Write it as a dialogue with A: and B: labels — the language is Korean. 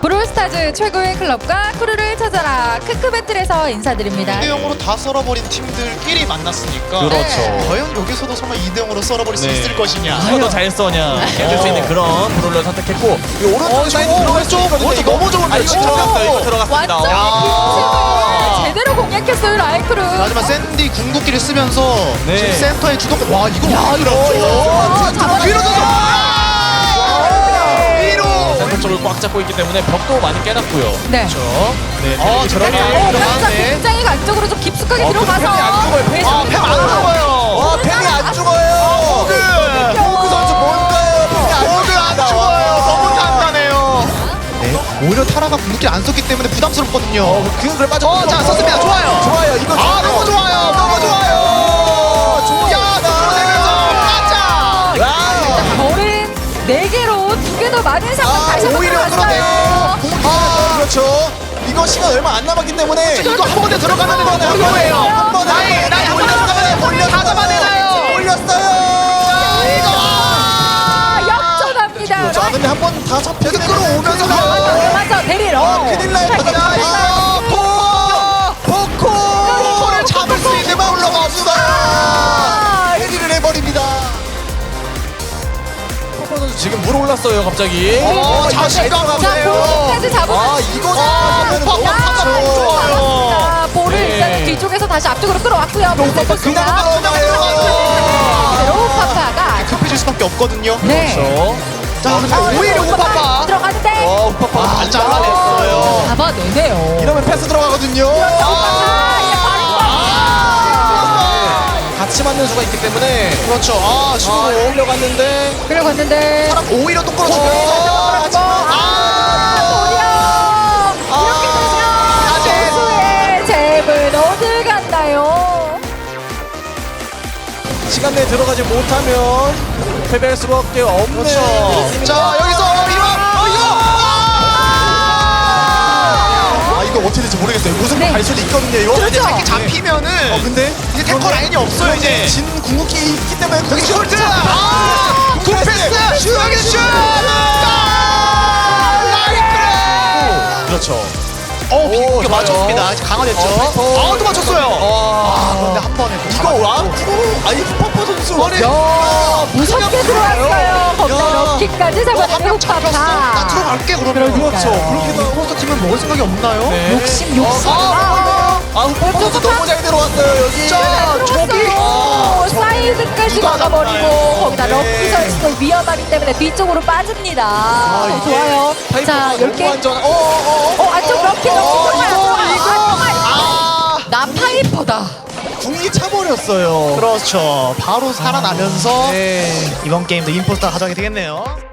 A: 브롤스타즈 최고의 클럽과 크루를 찾아라 크크배틀에서 인사드립니다.
B: 2대0으로 다 썰어버린 팀들끼리 만났으니까
C: 그렇죠.
B: 과연 여기서도 설마 2대0으로 썰어버릴 수 있을 것이냐.
C: 누가 더 잘 써냐 해줄 수 있는 그런 브롤러를 선택했고 이 오른쪽 사이드 들어갈 수 있거든요.
B: 이거 너무 좋은데,
C: 이거
B: 진짜.
C: 들어갔어요. 이거 들어갔습니다.
A: 완전 빈틈을 제대로 공략했어요 라이크루.
B: 하지만 샌디 궁극기를 쓰면서
C: 네.
B: 지금 센터에 주도권. 와 이거
A: 이거 잡아냈어요.
B: 위로 위로.
C: 센터 쪽을 꽉 잡고 있기 때문에 벽도 많이 깨놨고요.
A: 네.
C: 그렇죠. 네.
B: 들어가.
A: 깜짝
B: 네.
A: 굉장히 안쪽으로 좀 깊숙하게 들어가서
C: 팸이 안 죽어요.
B: 팸 안 죽어요.
C: 팸이 안 죽어요.
B: 호그
C: 선수 뭔가요?
B: 호그 안 죽어요. 너무 단단해요. 네. 오히려 타라가 궁극기 안 썼기 때문에 부담스럽거든요.
C: 그걸 빠져.
B: 자 썼습니다. 좋아요.
C: 좋아요. 이거
B: 아 너무 좋아요. 너무 좋아요. 야 들어오면서 가자.
A: 별은 4개로 2개 더 많은 상황 다시 한번
B: 오히려
A: 들어갔어요.
C: 그렇죠. 이거 시간 얼마 안 남았기 때문에
B: 이거 한 번에 들어가면 한 번에요.
C: 한 번에
B: 나이 올렸어요. 다 잡아내나요.
C: 올렸어요.
A: 역전합니다.
C: 자, 근데 한 번 다 잡혀서
B: 끌어오면서
A: 맞아 데릴.
C: 큰일 날 뻔했다. 포코를
B: 잡을 수 있는 마울러가 없어요.
C: 해리를 해버립니다. 포코 선수 지금 물 올랐어요 갑자기.
B: 자신감
A: 자
B: 없네요.
A: 볼까지 잡으면
C: 이거
A: 좋아요. 볼을
C: 네.
A: 일단은 뒤쪽에서 다시 앞쪽으로 끌어왔고요.
C: 오빠빠 그냥 들어가요.
A: 오파파가
B: 급해질 수밖에 없거든요.
A: 네.
C: 그렇죠.
B: 자 오히려 오빠빠.
A: 들어가는데
C: 오빠빠
B: 안 잘라냈어요.
A: 잡아내네요.
C: 이러면 패스 들어가거든요. 같이 맞는 수가 있기 때문에
B: 그렇죠.
C: 시도로 올려갔는데
A: 끌어갔는데
B: 오히려 또 끌어주고.
A: 선수의 잽은 어딜 갔나요?
C: 시간 내에 들어가지 못하면 패배할 수밖에 없네요.
B: 자 여기서
C: 이거 어떻게 될지 모르겠어요. 무슨
A: 네.
C: 갈 수도 있거든요. 이거.
A: 그렇죠.
B: 이렇게 잡히면은
C: 근데
B: 이제 탱커 라인이 없어요 이제.
C: 진 궁극기 있기 때문에
B: 여기 홀드.
C: 굿패스.
B: 굿패스. 여기 슛. 라이크레.
C: 그렇죠.
B: 비공개
C: 좋아요.
B: 맞췄습니다. 강화됐죠. 또 맞췄어요. 그런데 한 번에
C: 이거 퍼퍼 선수.
A: 야, 무섭게 들어왔어요. 거기다 럭키까지 잡아내는
B: 나
A: 호파파.
B: 들어갈게 그러면.
A: 그러니까요.
C: 그렇게
B: 포스터 팀을 먹을 생각이 없나요?
C: 네.
A: 욕심.
C: 퍼퍼 선수 너무 잘 들어왔어요 여기.
A: 들어왔어요. 사이드까지
B: 누가
A: 막아버리고
B: 잡나요?
A: 거기다
C: 네.
A: 럭키 선수도 위험하기 때문에 뒤쪽으로 빠집니다.
C: 이게
A: 좋아요. 자, 10개. 안쪽 럭키 들어가요. 나 파이퍼다.
C: 궁이 차버렸어요.
B: 그렇죠. 바로 살아나면서
C: 네.
B: 이번 게임도 임포스터 가져가게 되겠네요.